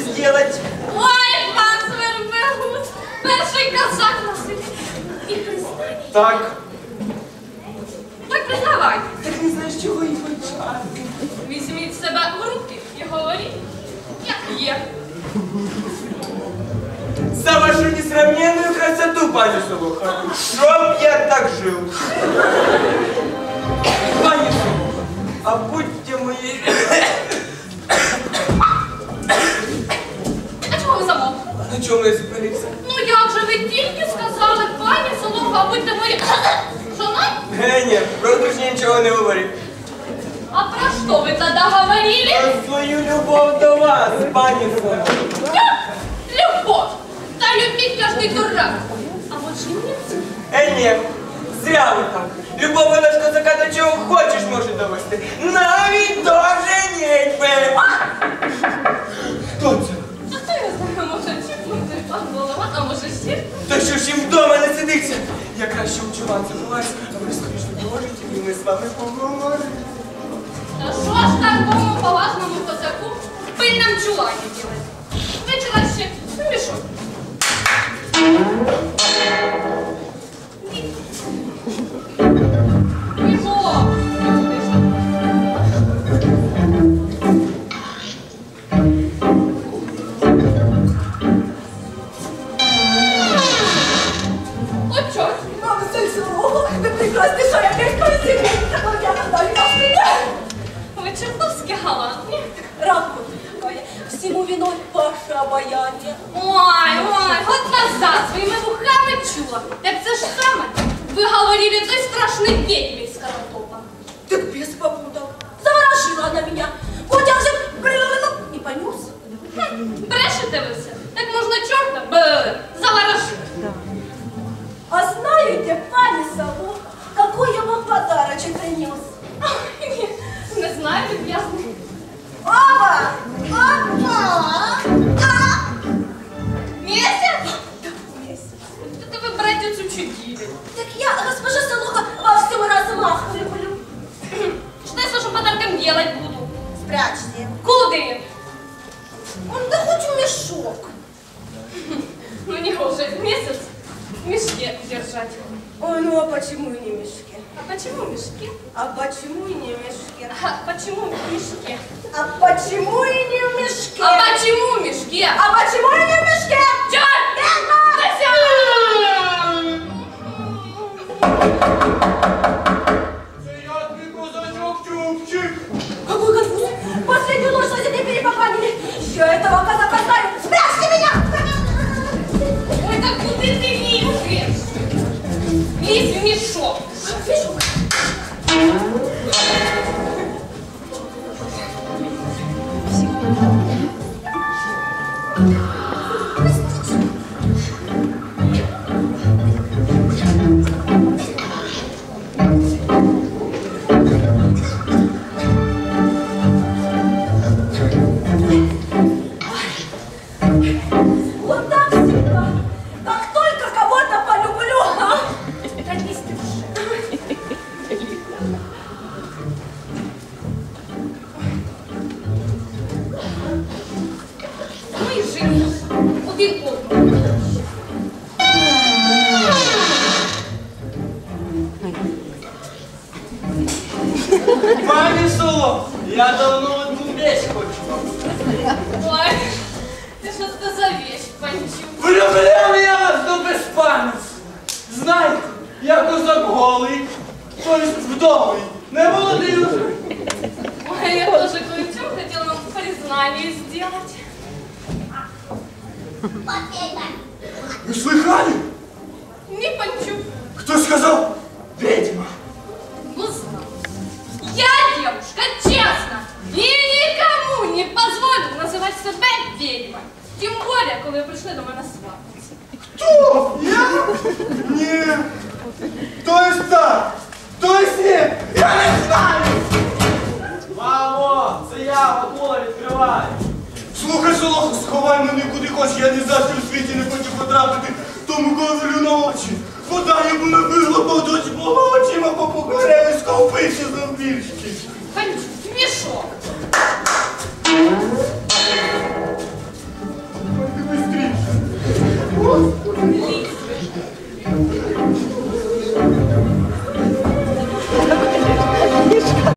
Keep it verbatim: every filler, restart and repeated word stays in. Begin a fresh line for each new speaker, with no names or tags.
сделать?
Ой, пан Свербегус, перший казак на селі. І признай.
Так.
Так признавай.
Так не знаєш, чого і почати.
Візьміть себе в руки і говоріть, як є.
За вашу несравненную красоту, пані Солоха. Чтоб я так жил. Пані Солоха, а будьте мої...
А чого ви замовкли?
На чому я зупинився?
Ну як же ви тільки сказали, пані Солоха, будьте мої... Жона?
Е, ні, про одруження нічого не говорив.
А про що ви тоді говорили?
Про свою любов до вас, пані Солоха.
Любовь! Да любить каждый дурак. А вот жениться?
Е, ні, зря ви так. Любов вона ж козака до чого хочеш може довести. Навіть до женитьби. Хто це?
А хто я знаю, може чіпнути пан голова, а може ще?
Та що ж їм вдома не сидиться? Я краще у чуван забуваюсь, а ви скоріше поможете, і ми з вами поговоримо.
Та що ж такому поважному козаку в пильному чулані делать? Вечора ще мішок. Мішок! От чорт!
Мама, Сальцево, ви прекрасні, що я мешкаю сім'ї, так я надалі вас прийде.
Ви чертовськи галантні.
Ранку, Кая, всему виной ваше обаяние.
Ой, ой, от назад своїми вухами чула. Так це ж саме ви говорили той страшний ведьмі з Каратопа.
Так без попуток. Заворожила она меня. Вот я уже и понес.
Брешете ви все? Так можна чорта б заворожити.
А знаете, пани Солоха, какой я вам подарочек принес?
Ой, ні, не знаю, люб'язний.
Опа! Опа! А!
Місяць?
Да, месяц.
Та ви брате цю чудівлю.
Так я, госпожа Солоха, во всем размах люблю.
Что я с вашим подарком делать буду?
Спрячьте.
Куди?
Он да хоть в мешок.
Ну не уже месяц в мешке держать.
Ой, ну а почему и не в мешке?
А почему в мешке?
А почему и не в мешке?
А почему в мешке?
А почему и не в мешке?
А почему в мешке?
А почему и не в мешке?
Черт!
Це я твій козачок Чубчик.
Какой конфуз! Последнюю ночь соседи перепоганили. Я этого казака знаю. Спрячьте меня!
Ой, так куди ти лізеш? Лізь в мішок.
Мешок. Вот так всегда. Как только кого-то полюблю, а?
Садись ты уже. Ну і женись. Один одного.
Пані Солоха, я давно одну вещь хочу.
Ой, ти що це за вещь, панчу?
Влюбляв я вас до безпам'ятства. Знаєте, я козак голий, тобто вдовий, не молодий уже.
Ой, я тоже кое-что хотела вам признание сделать.
Вы слыхали?
Не панчу.
Кто сказал? Ведьма.
Ну, знал. Я девушка, честно, и никому не позволю называть себя ведьмой. Тем более, коли ви прийшли до мене свататися.
Кто? Я? Нет. То есть так, то есть нет. Я не знаю. Мамо, це я, Вакула, відкривай. Слухай, Солоха, сховай мене куди хочеш, я ні за що в світі не хочу потрапити тому ковалю на очі. Вода йому не виглопав, досі мого очима попокоряли, сковпився за віршки.
Панчу, мішок.